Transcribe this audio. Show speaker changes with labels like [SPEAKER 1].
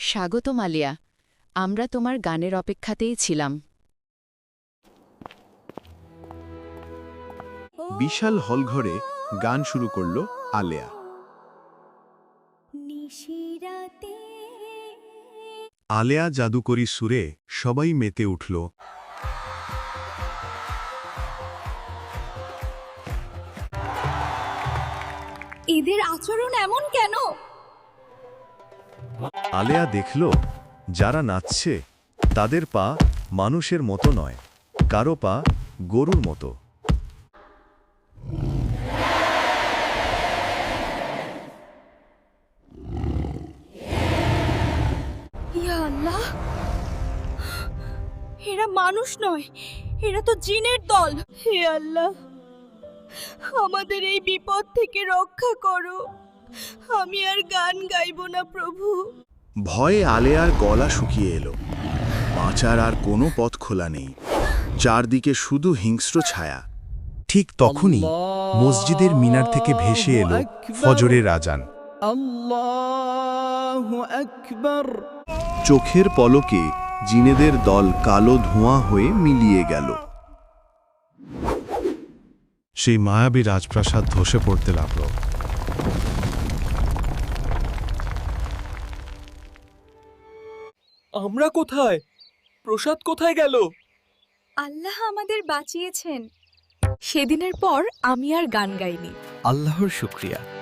[SPEAKER 1] স্বাগতম আলিয়া, আমরা তোমার গানের অপেক্ষাতেই ছিলাম।
[SPEAKER 2] বিশাল হলঘরে গান শুরু করল আলেয়া। আলেয়া জাদুকরী সুরে সবাই মেতে উঠল।
[SPEAKER 3] এদের আচরণ এমন কেন?
[SPEAKER 2] আলেয়া দেখল, যারা নাচছে তাদের পা মানুষের মতো নয়, কারো পা গরুর মতো।
[SPEAKER 3] ইয়া আল্লাহ, এরা মানুষ নয়, এরা তো জিনের দল। হে আল্লাহ, আমাদের এই বিপদ থেকে রক্ষা করো। আমি আর গান গাইব না প্রভু।
[SPEAKER 2] ভয়ে আলেয়ার গলা শুকিয়ে এলো। বাঁচার আর কোনো পথ খোলা নেই, চারদিকে শুধু হিংস্র ছায়া। ঠিক তখনই মসজিদের মিনার থেকে ভেসে এলো ফজরের আজান।
[SPEAKER 4] আল্লাহু আকবার।
[SPEAKER 2] চোখের পলকে জিনেদের দল কালো ধোঁয়া হয়ে মিলিয়ে গেল। সেই মায়াবী রাজপ্রাসাদ ধসে পড়তে লাগল।
[SPEAKER 4] আমরা কোথায়? প্রসাদ কোথায় গেল?
[SPEAKER 3] আল্লাহ আমাদের বাঁচিয়েছেন। সেদিনের পর আমি আর গান গাইনি।
[SPEAKER 4] আল্লাহর শুকরিয়া।